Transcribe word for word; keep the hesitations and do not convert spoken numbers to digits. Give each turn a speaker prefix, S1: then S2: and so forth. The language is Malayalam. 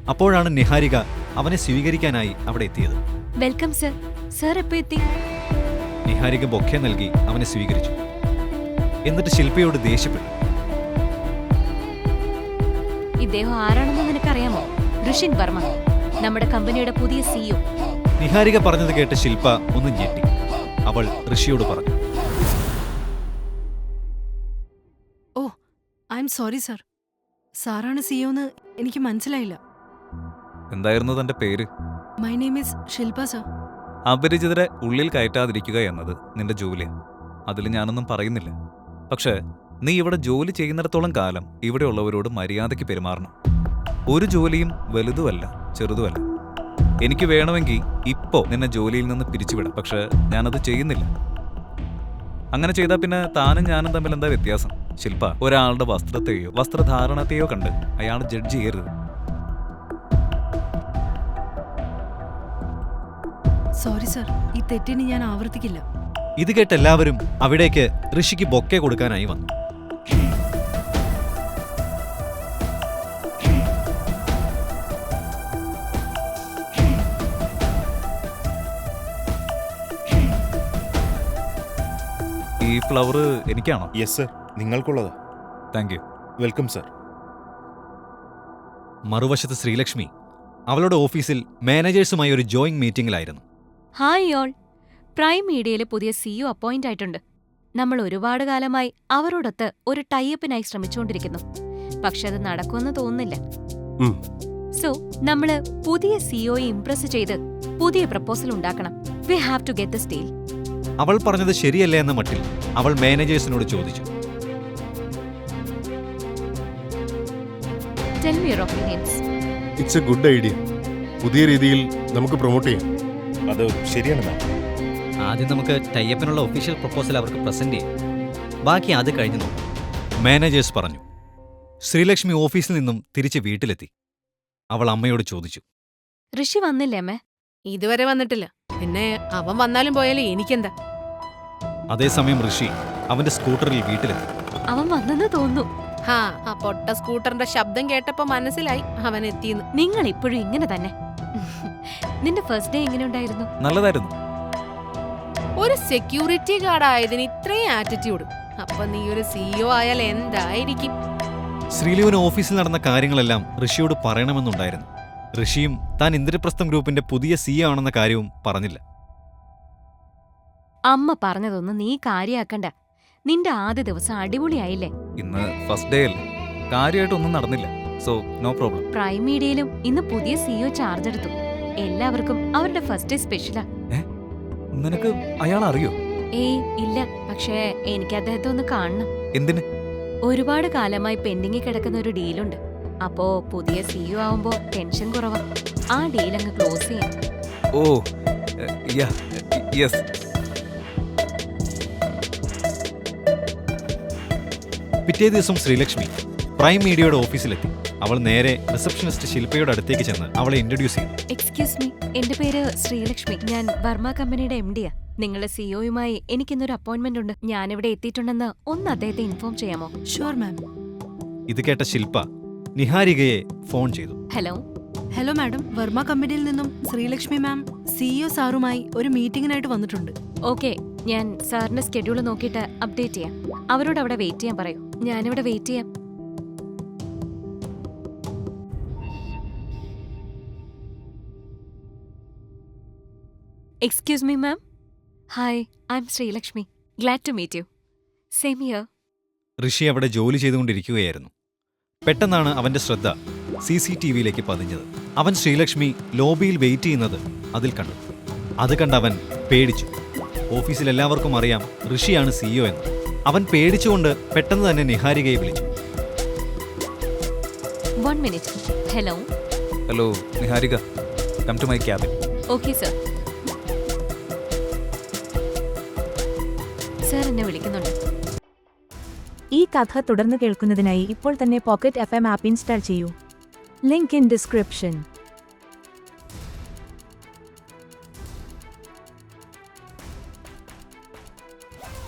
S1: അപ്പോഴാണ് നിഹാരിക അവനെ സ്വീകരിക്കാനായി അവിടെ എത്തിയത്.
S2: Welcome sir. സർ എപ്പോ എത്തി?
S1: നിഹാരിക ബൊക്കെ നൽകി അവനെ സ്വീകരിച്ചു. എന്നിട്ട് ശില്പയോട് ദേഷ്യപ്പെട്ടു.
S2: ഇദ്ദേഹം ആരാണെന്ന് നിനക്കറിയാമോ? ഋഷിൻ വർമ്മ, നമ്മുടെ കമ്പനിയുടെ പുതിയ സിഇഒ.
S1: നിഹാരിക പറഞ്ഞത് കേട്ട് ശില്പ ഒന്ന് ഞെട്ടി. അവൾ ഋഷിയോട് പറഞ്ഞു,
S3: oh I am sorry sir. സാറാണ് സിഇഒന്ന് എനിക്ക് മനസ്സിലായില്ല.
S4: എന്തായിരുന്നു തന്റെ പേര്?
S3: My name is Shilpa sir.
S4: അപരിചിതരെ ഉള്ളിൽ കയറ്റാതിരിക്കുക എന്നത് നിന്റെ ജോലിയാണ്. അതിൽ ഞാനൊന്നും പറയുന്നില്ല. പക്ഷേ നീ ഇവിടെ ജോലി ചെയ്യുന്നിടത്തോളം കാലം ഇവിടെയുള്ളവരോട് മര്യാദയ്ക്ക് പെരുമാറണം. ഒരു ജോലിയും വലുതുമല്ല ചെറുതുമല്ല. എനിക്ക് വേണമെങ്കിൽ ഇപ്പോ നിന്നെ ജോലിയിൽ നിന്ന് പിരിച്ചുവിടാം. പക്ഷെ ഞാനത് ചെയ്യുന്നില്ല. അങ്ങനെ ചെയ്താൽ പിന്നെ താനും ഞാനും തമ്മിൽ എന്താ വ്യത്യാസം? ശില്പ, ഒരാളുടെ വസ്ത്രത്തെയോ വസ്ത്രധാരണത്തെയോ കണ്ട് അയാൾ ജഡ്ജ് ചെയ്യരുത്.
S3: സോറി സർ, ഈ തെറ്റിന് ഞാൻ ആവർത്തിക്കില്ല.
S1: ഇത് കേട്ട് എല്ലാവരും അവിടേക്ക് ഋഷിക്ക് ബൊക്കെ കൊടുക്കാനായി വന്നു.
S4: ഈ ഫ്ലവർ എനിക്കാണോ?
S5: യെസ് സർ, നിങ്ങൾക്കുള്ളത്.
S4: Thank you.
S5: Welcome sir.
S1: മറുവശത്ത് ശ്രീലക്ഷ്മി അവളുടെ ഓഫീസിൽ മാനേജേഴ്സുമായി ഒരു ജോയിങ് മീറ്റിംഗിലായിരുന്നു.
S2: Hi all. പ്രൈം മീഡിയയിലെ പുതിയ സിഇഒ അപ്പോയിന്റ് ആയിട്ടുണ്ട്. നമ്മൾ ഒരുപാട് കാലമായി അവരോടൊത്ത് ഒരു ടൈഅപ്പിനായി ശ്രമിച്ചുകൊണ്ടിരിക്കുന്നു. പക്ഷെ അത് നടക്കുമെന്ന് തോന്നുന്നില്ല. സോ നമ്മള് പുതിയ സിഇഒയെ ഇംപ്രസ് ചെയ്ത് പുതിയ പ്രപ്പോസൽ ഉണ്ടാക്കണം. We have to get this deal.
S1: അവൾ പറഞ്ഞത് ശരിയല്ലേ എന്ന മട്ടിൽ അവൾ മാനേജേഴ്സിനോട് ചോദിച്ചു.
S2: ടെൽ മി യുവർ ഒപ്പീനിയൻസ്.
S6: It's a good idea. പുതിയ രീതിയിൽ നമുക്ക് പ്രൊമോട്ട് ചെയ്യാം.
S5: അത് ശരിയാണ് മാം.
S1: ആദ്യം നമുക്ക് ടൈഅപ്പിനുള്ള ഒഫീഷ്യൽ പ്രപ്പോസൽ അവർക്ക് പ്രസന്റ് ചെയ്യാം. ബാക്കി അത് കഴിഞ്ഞു നോക്കാം, മാനേജേഴ്സ് പറഞ്ഞു. ശ്രീലക്ഷ്മി ഓഫീസിൽ നിന്നും തിരിച്ച് വീട്ടിലെത്തി. അവൾ അമ്മയോട് ചോദിച്ചു,
S2: ഋഷി വന്നില്ലേ അമ്മേ?
S3: ഇതുവരെ വന്നിട്ടില്ല. പിന്നെ അവൻ വന്നാലും പോയാലും എനിക്കെന്താ?
S1: അതേസമയം ഋഷി അവന്റെ സ്കൂട്ടറിൽ വീട്ടിലെത്തി.
S2: അവൻ വന്നെന്ന് തോന്നുന്നു.
S3: ഹാ, ആ പൊട്ട സ്കൂട്ടറിന്റെ ശബ്ദം കേട്ടപ്പോ മനസ്സിലായി അവൻ എത്തിയെന്ന്.
S2: നിങ്ങൾ ഇപ്പോഴും ഇങ്ങനെ തന്നെ. നിന്റെ ഫസ്റ്റ് ഡേ എങ്ങനെ ഉണ്ടായിരുന്നു?
S4: നല്ലതായിരുന്നു.
S3: ഒരു സെക്യൂരിറ്റി ഗാർഡ് ആയതിന് ഇത്രയും ആറ്റിറ്റ്യൂഡ്. അപ്പൊ നീ ഒരു സിഇഒ ആയാൽ എന്തായിരിക്കും?
S1: ശ്രീലുവിന് ഓഫീസിൽ നടന്ന കാര്യങ്ങളെല്ലാം ഋഷിയോട് പറയണമെന്നുണ്ടായിരുന്നു. ഋഷിയും താൻ ഇന്ദ്രപ്രസ്ഥം ഗ്രൂപ്പിന്റെ പുതിയ സിഇഒ ആണെന്ന കാര്യവും പറഞ്ഞില്ല.
S2: അമ്മ പറഞ്ഞതൊന്നും നീ കാര്യാക്കണ്ട. നിന്റെ ആദ്യ ദിവസം അടിപൊളിയായില്ലേ?
S4: ഇന്ന് ഫസ്റ്റ് ഡേ അല്ലേ, കാര്യമായിട്ടൊന്നും നടന്നില്ല. So no problem.
S2: പ്രൈം മീഡിയയിലും ഇന്ന് പുതിയ സിഇഒ ചാർജ് എടുത്തു. എല്ലാവർക്കും അവരുടെ ഫസ്റ്റ് ഡേ സ്പെഷ്യലാ.
S4: നിനക്ക് അയാൾ അറിയോ?
S2: ഏയ് ഇല്ല, പക്ഷേ എനിക്ക് അദ്ദേഹത്തെ ഒന്ന് കാണണം.
S4: എന്തിന്?
S2: ഒരുപാട് കാലമായി പെൻഡിങ്ങിൽ കിടക്കുന്ന ഒരു ഡീലുണ്ട്. അപ്പോ പുതിയ സിഇഒ ആവുമ്പോ ടെൻഷൻ കുറവാ. ആ ഡീൽ അങ്ങ് ക്ലോസ് ചെയ്യാം.
S4: Oh yes.
S1: പിറ്റേ ദിവസം ശ്രീലക്ഷ്മി പ്രൈം മീഡിയയുടെ ഓഫീസിലെത്തി. അവൾ നേരെ റിസപ്ഷനിസ്റ്റ് ശില്പയുടെ അടുത്തേക്ക് ചെന്ന് അവളെ ഇൻട്രൊഡ്യൂസ് ചെയ്തു.
S2: എക്സ്ക്യൂസ് മീ, എന്റെ പേര് ശ്രീലക്ഷ്മി. ഞാൻ വർമ്മ കമ്പനിയുടെ എം ഡിയാ. നിങ്ങളുടെ സിഇഒയുമായി എനിക്കിന്നൊരു അപ്പോയിന്റ്മെന്റ് ഉണ്ട്. ഞാനിവിടെ എത്തിയിട്ടുണ്ടെന്ന് ഒന്ന് അദ്ദേഹത്തെ ഇൻഫോം ചെയ്യാമോ?
S3: Sure ma'am.
S1: ഇത് കേട്ട ശില്പ നിഹാരികയെ ഫോൺ ചെയ്തു.
S2: ഹലോ.
S3: ഹലോ മാഡം, വർമ്മ കമ്പനിയിൽ നിന്നും ശ്രീലക്ഷ്മി മാം സിഇഒ സാറുമായി ഒരു മീറ്റിംഗിനായിട്ട് വന്നിട്ടുണ്ട്.
S2: ഓക്കെ, ഞാൻ സാറിന്റെ സ്കെഡ്യൂൾ നോക്കിയിട്ട് അപ്ഡേറ്റ് ചെയ്യാം. അവരോട് അവിടെ വെയിറ്റ് ചെയ്യാൻ പറയൂ. ഞാനിവിടെ വെയിറ്റ് ചെയ്യാം. Excuse me ma'am. Hi, I'm Sreelakshmi. Glad to meet you. Same here.
S1: Rishi അവിടെ ജോലി ചെയ്തുകൊണ്ടിരിക്കുകയായിരുന്നു. പെട്ടെന്നാണ് അവന്റെ ശ്രദ്ധ സി സി ടി വിയിലേക്ക് പതിഞ്ഞത്. അവൻ ശ്രീലക്ഷ്മി ലോബിയിൽ വെയിറ്റ് ചെയ്യുന്നത് അതിൽ കണ്ടു. അത് കണ്ട് അവൻ പേടിച്ചു. ഓഫീസിൽ എല്ലാവർക്കും അറിയാം ഋഷിയാണ് സിഇഒ എന്ന്. അവൻ പേടിച്ചുകൊണ്ട് പെട്ടെന്ന് തന്നെ നിഹാരികയെ വിളിച്ചു.
S2: One minute. Hello.
S4: Hello Niharika, come to my cabin.
S2: Okay sir. Sir എന്നെ വിളിക്കുന്നുണ്ട്.
S7: ഈ കഥ തുടർന്ന് കേൾക്കുന്നതിനായി ഇപ്പോൾ തന്നെ pocket F M app install ചെയ്യൂ. Link in description.